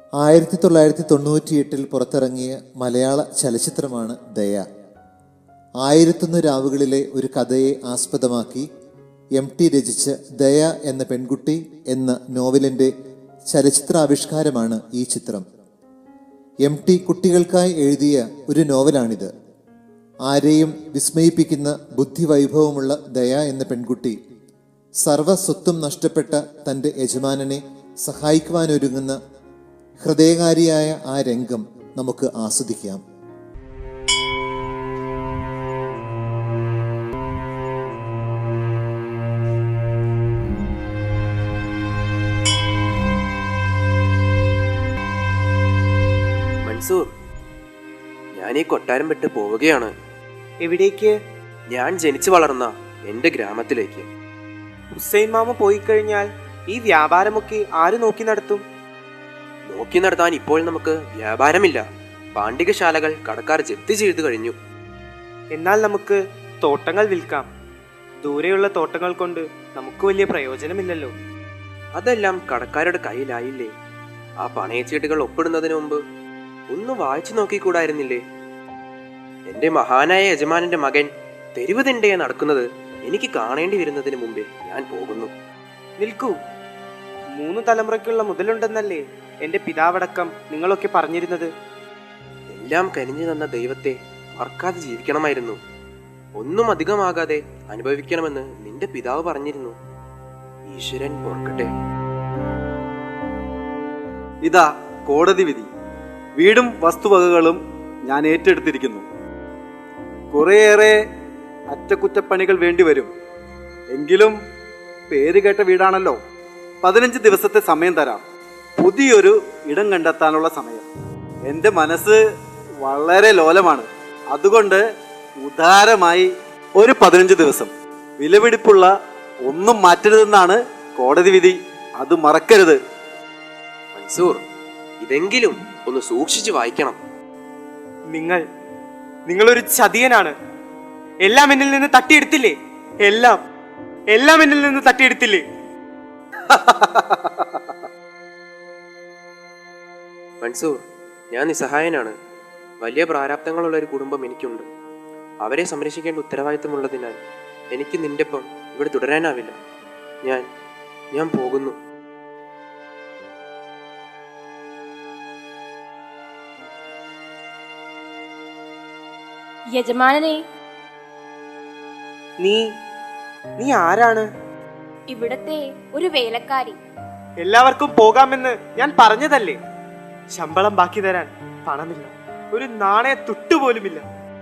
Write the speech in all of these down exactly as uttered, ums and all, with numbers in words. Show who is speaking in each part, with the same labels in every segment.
Speaker 1: ആയിരത്തി തൊള്ളായിരത്തി തൊണ്ണൂറ്റിയെട്ടിൽ പുറത്തിറങ്ങിയ മലയാള ചലച്ചിത്രമാണ് ദയ. ആയിരത്തൊന്ന് രാവുകളിലെ ഒരു കഥയെ ആസ്പദമാക്കി എം ടി രചിച്ച ദയ എന്ന പെൺകുട്ടി എന്ന നോവലിൻ്റെ ചലച്ചിത്രാവിഷ്കാരമാണ് ഈ ചിത്രം. എം ടി കുട്ടികൾക്കായി എഴുതിയ ഒരു നോവലാണിത്. ആരെയും വിസ്മയിപ്പിക്കുന്ന ബുദ്ധിവൈഭവമുള്ള ദയ എന്ന പെൺകുട്ടി സർവസ്വത്തും നഷ്ടപ്പെട്ട തൻ്റെ യജമാനനെ സഹായിക്കുവാനൊരുങ്ങുന്ന ഹൃദയകാരിയായ ആ രംഗം നമുക്ക് ആസ്വദിക്കാം.
Speaker 2: മൻസൂർ, ഞാൻ ഈ കൊട്ടാരം വിട്ട് പോവുകയാണ്.
Speaker 3: എവിടേക്ക്?
Speaker 2: ഞാൻ ജനിച്ചു വളർന്ന എൻ്റെ ഗ്രാമത്തിലേക്ക്.
Speaker 3: ഹുസൈൻ മാമ പോയി കഴിഞ്ഞാൽ ഈ വ്യാപാരമൊക്കെ ആര് നോക്കി നടത്തും?
Speaker 2: നോക്കി നടത്താൻ ഇപ്പോൾ നമുക്ക് വ്യാപാരമില്ല. പാണ്ഡികശാലകൾ കടക്കാർ ജപ്തി ചെയ്തു കഴിഞ്ഞു.
Speaker 3: എന്നാൽ നമുക്ക് തോട്ടങ്ങൾ വിൽക്കാം. ദൂരെയുള്ള തോട്ടങ്ങൾ കൊണ്ട് നമുക്ക് വലിയ പ്രയോജനമില്ലല്ലോ.
Speaker 2: അതെല്ലാം കടക്കാരുടെ കയ്യിലായില്ലേ? ആ പണയച്ചീട്ടുകൾ ഒപ്പിടുന്നതിന് മുമ്പ് ഒന്ന് വായിച്ചു നോക്കിക്കൂടായിരുന്നില്ലേ? എൻ്റെ മഹാനായ യജമാനന്റെ മകൻ തെരുവ് തിണ്ടയെ നടക്കുന്നത് എനിക്ക് കാണേണ്ടി വരുന്നതിന് മുമ്പേ ഞാൻ പോകുന്നു.
Speaker 3: നിൽക്കൂ, മൂന്ന് തലമുറയ്ക്കുള്ള മുതലുണ്ടെന്നല്ലേ എൻ്റെ പിതാവടക്കം നിങ്ങളൊക്കെ പറഞ്ഞിരുന്നത്?
Speaker 2: എല്ലാം കനിഞ്ഞു തന്ന ദൈവത്തെ മറക്കാതെ ജീവിക്കണമായിരുന്നു. ഒന്നും അധികമാകാതെ അനുഭവിക്കണമെന്ന് നിന്റെ പിതാവ് പറഞ്ഞിരുന്നു. ഈശ്വരൻ ഓർക്കട്ടെ.
Speaker 4: ഇതാ കോടതി വിധി. വീടും വസ്തുവകകളും ഞാൻ ഏറ്റെടുത്തിരിക്കുന്നു. കുറേയേറെ അറ്റകുറ്റപ്പണികൾ വേണ്ടിവരും. എങ്കിലും പേര് കേട്ട വീടാണല്ലോ. പതിനഞ്ച് ദിവസത്തെ സമയം തരാം. പുതിയൊരു ഇടം കണ്ടെത്താനുള്ള സമയം. എൻ്റെ മനസ്സ് വളരെ ലോലമാണ്. അതുകൊണ്ട് ഉദാരമായി ഒരു പതിനഞ്ച് ദിവസം. വിലപിടിപ്പുള്ള ഒന്നും മാറ്റരുതെന്നാണ് കോടതി വിധി. അത് മറക്കരുത്.
Speaker 2: മൻസൂർ, ഇതെങ്കിലും ഒന്ന് സൂക്ഷിച്ചു വായിക്കണം.
Speaker 3: നിങ്ങൾ നിങ്ങളൊരു ചതിയനാണ്. എല്ലാം എന്നിൽ നിന്ന് തട്ടിയെടുത്തില്ലേ? എല്ലാം എല്ലാം എന്നിൽ നിന്ന് തട്ടിയെടുത്തില്ലേ?
Speaker 2: മൻസൂർ, ഞാൻ നിസ്സഹായനാണ്. വലിയ പ്രാരാബ്ദങ്ങളുള്ള ഒരു കുടുംബം എനിക്കുണ്ട്. അവരെ സംരക്ഷിക്കേണ്ട ഉത്തരവാദിത്തമുള്ളതിനാൽ എനിക്ക് നിന്റെപ്പം ഇവിടെ തുടരാനാവില്ല. ഞാൻ ഞാൻ പോകുന്നു.
Speaker 5: യജമാനനെ,
Speaker 3: നീ നീ ആരാണ്?
Speaker 5: ഇവിടത്തെ ഒരു വേലക്കാരി.
Speaker 3: എല്ലാവർക്കും പോകാമെന്ന് ഞാൻ പറഞ്ഞതല്ലേ. ശമ്പളം ബാക്കി തരാൻ പണമില്ല. ഒരു നാണയ തുട്ടുപോലുമില്ല.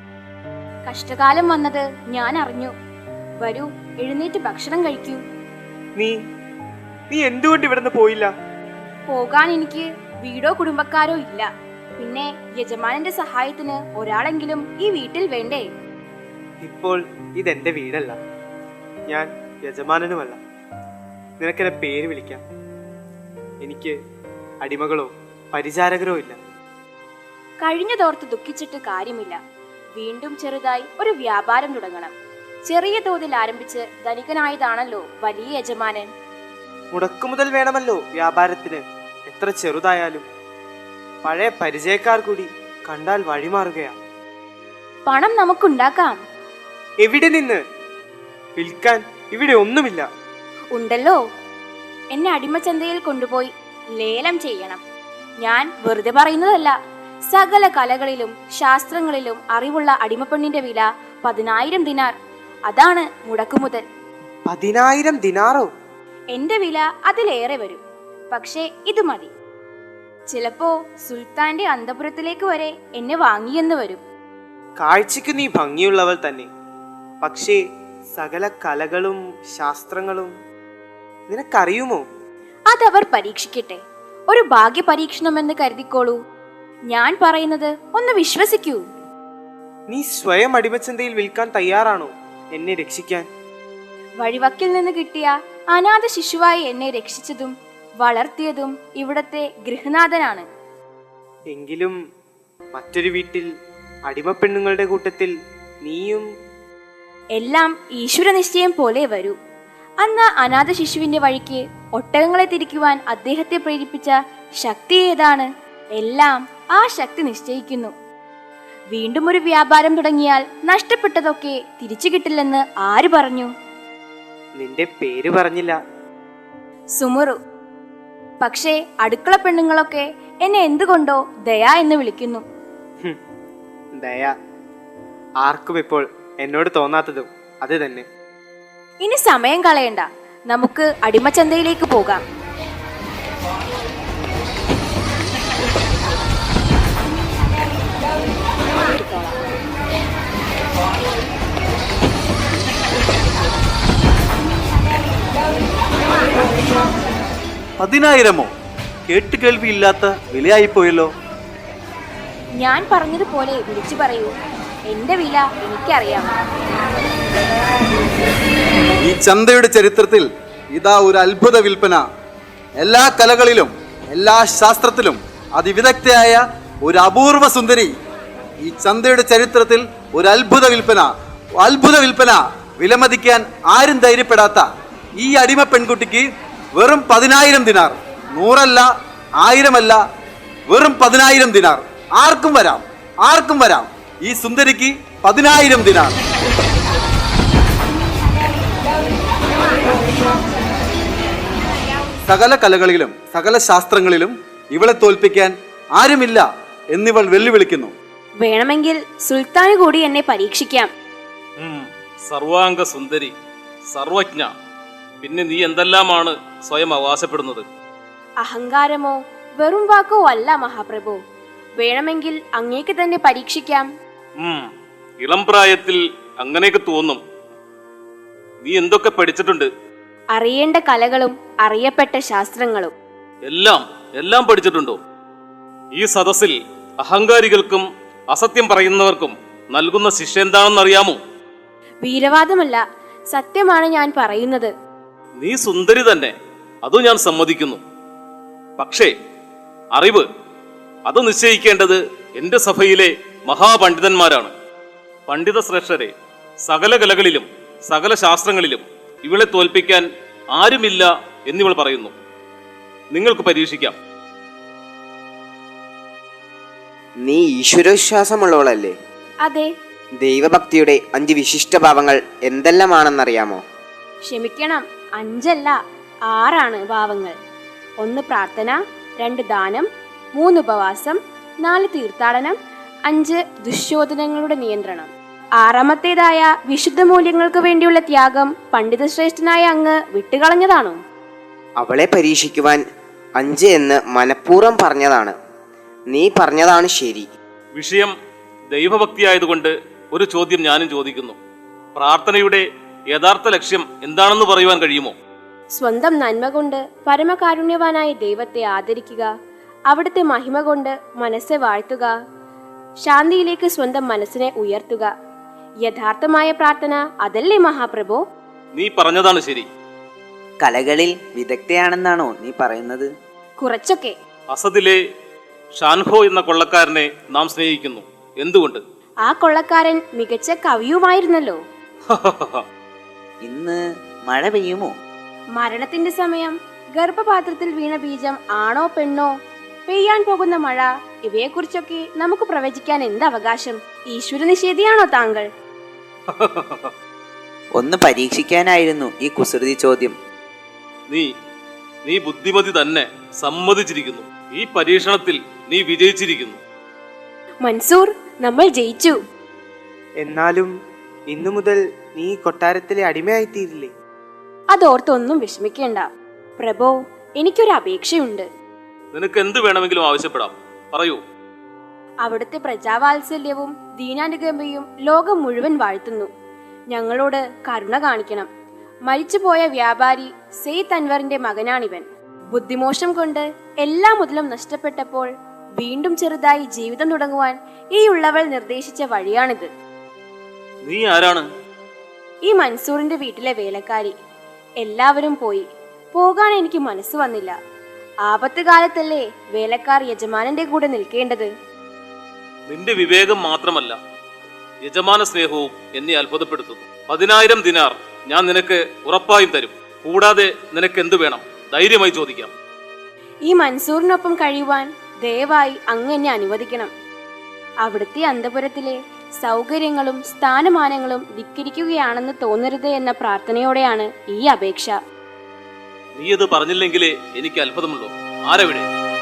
Speaker 5: കഷ്ടകാലം വന്നത് ഞാൻ അറിഞ്ഞു. വരൂ, എഴുന്നേറ്റ് ഭക്ഷണം കഴിക്കൂ.
Speaker 3: നീ നീ എന്തുകൊണ്ട് ഇവിടുന്ന് പോയില്ല?
Speaker 5: പോകാൻ എനിക്ക് വീടോ കുടുംബക്കാരോ ഇല്ല. പിന്നെ യജമാനന്റെ സഹായത്തിന് ഒരാളെങ്കിലും ഈ വീട്ടിൽ വേണ്ടേ?
Speaker 3: ഇപ്പോൾ ഇതെന്റെ വീടല്ല. ഞാൻ യജമാനനുമല്ല. നിനക്കെന്നെ പേര് വിളിക്കാം. എനിക്ക് അടിമകളോ പരിചാരകരോ ഇല്ല.
Speaker 5: കഴിഞ്ഞതോർത്ത് ദുഃഖിച്ചിട്ട് കാര്യമില്ല. വീണ്ടും ചെറുതായി ഒരു വ്യാപാരം തുടങ്ങണം. ചെറിയ തോതിൽ ആരംഭിച്ച് ധനികനായതാണല്ലോ വലിയ യജമാനൻ.
Speaker 3: മുടക്കുമുതൽ വേണമല്ലോ വ്യാപാരത്തിന്. എത്ര ചെറുതായാലും പഴയ പരിചയക്കാർ കൂടി കണ്ടാൽ വഴിമാറുകയാണ്.
Speaker 5: പണം നമുക്കുണ്ടാക്കാം.
Speaker 3: എവിടെ നിന്ന്? വിൽക്കാൻ ഇവിടെ ഒന്നുമില്ല.
Speaker 5: ഉണ്ടല്ലോ. എന്നെ അടിമച്ചന്തയിൽ കൊണ്ടുപോയി ലേലം ചെയ്യണം. ഞാൻ വെറുതെ പറയുന്നതല്ല. സകല കലകളിലും ശാസ്ത്രങ്ങളിലും അറിവുള്ള അടിമപ്പെണ്ണിന്റെ വില പതിനായിരം ദിനാർ. അതാണ് മുടക്കുമുതൽ.
Speaker 3: പതിനായിരം ദിനാറോ?
Speaker 5: എന്റെ വില അതിലേറെ വരും. പക്ഷേ ഇത് മതി. ചിലപ്പോ സുൽത്താന്റെ അന്തപുരത്തിലേക്ക് വരെ എന്നെ വാങ്ങിയെന്ന് വരും.
Speaker 3: കാഴ്ചക്ക് നീ ഭംഗിയുള്ളവൾ തന്നെ. പക്ഷേ സകല കലകളും ശാസ്ത്രങ്ങളും നിനക്കറിയുമോ?
Speaker 5: അതവർ പരീക്ഷിക്കട്ടെ. ഒരു ഭാഗ്യ പരീക്ഷണമെന്ന് കരുതിക്കോളൂ. ഞാൻ പറയുന്നത് ഒന്ന് വിശ്വസിക്കൂ.
Speaker 3: നീ സ്വയം അടിമച്ചന്തയിൽ വിൽക്കാൻ തയ്യാറാണോ എന്നെ രക്ഷിക്കാൻ?
Speaker 5: വഴിവക്കിൽ നിന്ന് കിട്ടിയ അനാഥ ശിശുവായി എന്നെ രക്ഷിച്ചതും വളർത്തിയതും ഇവിടത്തെ ഗൃഹനാഥനാണ്.
Speaker 3: എങ്കിലും മറ്റൊരു വീട്ടിൽ അടിമപ്പെണ്ണുങ്ങളുടെ കൂട്ടത്തിൽ നീയും.
Speaker 5: എല്ലാം ഈശ്വര നിശ്ചയം പോലെ വരൂ. അന്ന് അനാഥ ശിശുവിന്റെ വഴിക്ക് ഒട്ടകങ്ങളെ തിരിക്കുവാൻ അദ്ദേഹത്തെ പ്രേരിപ്പിച്ച ശക്തി ഏതാണ്? എല്ലാം ആ ശക്തി നിശ്ചയിക്കുന്നു. വീണ്ടും ഒരു വ്യാപാരം തുടങ്ങിയാൽ നഷ്ടപ്പെട്ടതൊക്കെ തിരിച്ചു കിട്ടില്ലെന്ന് ആര് പറഞ്ഞു?
Speaker 3: നിന്റെ പേര് പറഞ്ഞില്ല.
Speaker 5: സുമുറു. പക്ഷേ അടുക്കള പെണ്ണുങ്ങളൊക്കെ എന്നെ എന്തുകൊണ്ടോ ദയ എന്ന് വിളിക്കുന്നു.
Speaker 3: ഹും, ദയ. ആർക്കും ഇപ്പോൾ എന്നോട് തോന്നാത്തതും അത് തന്നെ.
Speaker 5: ഇനി സമയം കളയണ്ട, നമുക്ക് അടിമച്ചന്തയിലേക്ക് പോകാം.
Speaker 4: പതിനായിരമോ? കേട്ടുകേൾവിയില്ലാത്ത വിലയായിപ്പോയല്ലോ.
Speaker 5: ഞാൻ പറഞ്ഞതുപോലെ വിളിച്ചു പറയൂ, എന്റെ വില എനിക്കറിയാം.
Speaker 4: ഈ ചന്തയുടെ ചരിത്രത്തിൽ ഇതാ ഒരു അത്ഭുത വിൽപ്പന. എല്ലാ കലകളിലും എല്ലാ ശാസ്ത്രത്തിലും അതിവിദഗ്ധയായ ഒരു അപൂർവ സുന്ദരി. ഈ ചന്തയുടെ ചരിത്രത്തിൽ ഒരു അത്ഭുത വിൽപ്പന, അത്ഭുത വിൽപ്പന. വിലമതിക്കാൻ ആരും ധൈര്യപ്പെടാത്ത ഈ അടിമ പെൺകുട്ടിക്ക് വെറും പതിനായിരം ദിനാർ. നൂറല്ല, ആയിരമല്ല, വെറും പതിനായിരം ദിനാർ. ആർക്കും വരാം, ആർക്കും വരാം. ഈ സുന്ദരിക്ക് പതിനായിരം ദിനാർ. സകല കലകളിലും സകല ശാസ്ത്രങ്ങളിലും ഇവളെ തോൽപ്പിക്കാൻ ആരുമില്ല എന്നിവൾ വെല്ലുവിളിക്കുന്നു.
Speaker 5: വേണമെങ്കിൽ സുൽത്താന് കൂടി എന്നെ പരീക്ഷിക്കാം.
Speaker 6: സർവാംഗ സുന്ദരി, സർവജ്ഞ, പിന്നെ നീ എന്തെല്ലാമാണ് സ്വയം അവകാശപ്പെടുന്നത്?
Speaker 5: അഹങ്കാരമോ വെറും വാക്കോ അല്ല മഹാപ്രഭു. വേണമെങ്കിൽ അങ്ങേക്ക് തന്നെ പരീക്ഷിക്കാം.
Speaker 6: ഉം, ഇളം പ്രായത്തിൽ അങ്ങനെയൊക്കെ തോന്നും. നീ എന്തൊക്കെ പഠിച്ചിട്ടുണ്ട്?
Speaker 5: അറിയേണ്ട കലകളും അറിയപ്പെട്ട ശാസ്ത്രങ്ങളും.
Speaker 6: എല്ലാം എല്ലാം പഠിച്ചിട്ടുണ്ടോ? ഈ സദസ്സിൽ അഹങ്കാരികൾക്കും അസത്യം പറയുന്നവർക്കും നൽകുന്ന ശിക്ഷ എന്താണെന്ന് അറിയാമോ?
Speaker 5: വീരവാദമല്ല, സത്യമാണ് ഞാൻ പറയുന്നത്.
Speaker 6: നീ സുന്ദരി തന്നെ, അത് ഞാൻ സമ്മതിക്കുന്നു. പക്ഷേ അറിവ് അത് നിശ്ചയിക്കേണ്ടത് എൻ്റെ സഭയിലെ മഹാപണ്ഡിതന്മാരാണ്. പണ്ഡിത ശ്രേഷ്ഠരെ, സകല കലകളിലും സകല ശാസ്ത്രങ്ങളിലും ഇവളെ തോൽപ്പിക്കാൻ ആരുമില്ല എന്നിവൾ പറയുന്നു. നിങ്ങൾക്ക് പരീക്ഷിക്കാം.
Speaker 7: നീ ഈശ്വരവിശ്വാസമുള്ളവളല്ലേ?
Speaker 5: അതെ.
Speaker 7: ദൈവഭക്തിയുടെ അഞ്ച് വിശിഷ്ട ഭാവങ്ങൾ എന്തെല്ലാമാണെന്നറിയാമോ?
Speaker 5: ക്ഷമിക്കണം, അഞ്ചല്ല ആറാണ് ഭാവങ്ങൾ. ഒന്ന് പ്രാർത്ഥന, രണ്ട് ദാനം, മൂന്ന് ഉപവാസം, നാല് തീർത്ഥാടനം, അഞ്ച് ദുശ്ശോധനങ്ങളുടെ നിയന്ത്രണം. ആറാമത്തേതായ വിശുദ്ധ മൂല്യങ്ങൾക്ക് വേണ്ടിയുള്ള ത്യാഗം പണ്ഡിതശ്രേഷ്ഠനായ അങ്ങ് വിട്ടുകളഞ്ഞതാണോ?
Speaker 7: അവളെ പരീക്ഷിക്കുവാൻ അഞ്ച് എന്ന് മനഃപൂർവ്വം പറഞ്ഞതാണ്. നീ പറഞ്ഞതാണ് ശരി.
Speaker 6: വിഷയം ദൈവഭക്തിയായതുകൊണ്ട് ഒരു ചോദ്യം ഞാനും ചോദിക്കുന്നു. പ്രാർത്ഥനയുടെ യഥാർത്ഥ ലക്ഷ്യം എന്താണെന്ന് പറയുവാൻ കഴിയുമോ?
Speaker 5: സ്വന്തം നന്മ കൊണ്ട് പരമകാരുണ്യവാനായ ദൈവത്തെ ആദരിക്കുക, അവിടുത്തെ മഹിമ കൊണ്ട് മനസ്സെ വാഴ്ത്തുക, ശാന്തിയിലേക്ക് സ്വന്തം മനസ്സിനെ ഉയർത്തുക. യഥാർത്ഥമായ പ്രാർത്ഥന അതല്ലേ മഹാപ്രഭു?
Speaker 6: നീ പറഞ്ഞതാണ് ശരി.
Speaker 7: കലകളിൽ വിദഗ്ധയാണെന്നാണോ നീ പറയുന്നത്?
Speaker 5: കുറച്ചൊക്കെ.
Speaker 6: അസദിലെ ഷാൻഹോ എന്ന കൊള്ളക്കാരനെ നാം സ്നേഹിക്കുന്നു. എന്തുകൊണ്ട്?
Speaker 5: ആ കൊള്ളക്കാരൻ മികച്ച കവിയുമായിരുന്നല്ലോ.
Speaker 7: ഇന്ന് മഴ പെയ്യുമോ?
Speaker 5: മരണത്തിന്റെ സമയം, ഗർഭപാത്രത്തിൽ വീണ ബീജം ആണോ പെണ്ണോ, പെയ്യാൻ പോകുന്ന മഴ, ഇവയെക്കുറിച്ചൊക്കെ നമുക്ക് പ്രവചിക്കാൻ എന്ത് അവകാശം? ഈശ്വര നിഷേധിയാണോ താങ്കൾ?
Speaker 7: ഒന്ന് പരീക്ഷിക്കാനായിരുന്നു ഈ കുസൃതി ചോദ്യം.
Speaker 6: നീ നീ ബുദ്ധിമതി തന്നെ, സമ്മതിച്ചിരിക്കുന്നു. ഈ പരീക്ഷണത്തിൽ നീ വിജയിച്ചിരിക്കുന്നു.
Speaker 5: മൻസൂർ, നമ്മൾ ജയിച്ചു.
Speaker 3: എന്നാലും ഇന്നു മുതൽ നീ കൊട്ടാരത്തിലെ അടിമയായിത്തീരില്ലേ?
Speaker 5: അതോർത്തൊന്നും വിഷമിക്കേണ്ട പ്രഭോ. എനിക്കൊരു അപേക്ഷയുണ്ട്.
Speaker 6: നിനക്ക് എന്ത് വേണമെങ്കിലും ആവശ്യപ്പെടാം, പറയൂ.
Speaker 5: അവിടുത്തെ പ്രജാവാത്സല്യവും ദീനാനുകമ്പയും ലോകം മുഴുവൻ വാഴ്ത്തുന്നു. ഞങ്ങളോട് കരുണ കാണിക്കണം. മരിച്ചുപോയ വ്യാപാരി സെയ്ദ് അൻവറിന്റെ മകനാണിവൻ. ബുദ്ധിമോശം കൊണ്ട് എല്ലാ മുതലും നഷ്ടപ്പെട്ടപ്പോൾ വീണ്ടും ചെറുതായി ജീവിതം തുടങ്ങുവാൻ ഈ ഉള്ളവൾ നിർദ്ദേശിച്ച വഴിയാണിത്.
Speaker 6: നീ ആരാണ്?
Speaker 5: ഈ മൻസൂറിന്റെ വീട്ടിലെ വേലക്കാരി. എല്ലാവരും പോയി. പോകാൻ എനിക്ക് മനസ്സ് വന്നില്ല. ആപത്ത് കാലത്തല്ലേ വേലക്കാർ യജമാനന്റെ കൂടെ നിൽക്കേണ്ടത്.
Speaker 6: നിന്റെ വിവേകം മാത്രമല്ല, യജമാന സ്നേഹവും എന്നെ അത്ഭുതപ്പെടുത്തുന്നു. പതിനായിരം ദിനാർ ഞാൻ നിനക്ക് ഉറപ്പായും തരും. കൂടാതെ നിനക്ക് എന്തു വേണം? ധൈര്യമായി ചോദിക്കാം.
Speaker 5: ഈ മൻസൂറിനൊപ്പം കഴിയുവാൻ ദയവായി അങ്ങ് എന്നെ അനുവദിക്കണം. അവിടുത്തെ അന്തപുരത്തിലെ സൗകര്യങ്ങളും സ്ഥാനമാനങ്ങളും ധിക്കരിക്കുകയാണെന്ന് തോന്നരുത് എന്ന പ്രാർത്ഥനയോടെയാണ് ഈ അപേക്ഷ.
Speaker 6: നീ ഇത് പറഞ്ഞില്ലെങ്കിലേ എനിക്ക് അത്ഭുതമുള്ളൂ. ആരവിടെ?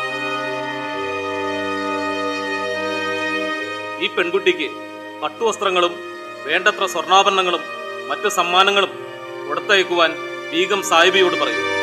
Speaker 6: ഈ പെൺകുട്ടിക്ക് പട്ടുവസ്ത്രങ്ങളും വേണ്ടത്ര സ്വർണ്ണാഭരണങ്ങളും മറ്റു സമ്മാനങ്ങളും കൊടുത്തയക്കുവാൻ ബീഗം സാഹിബിയോട് പറയൂ.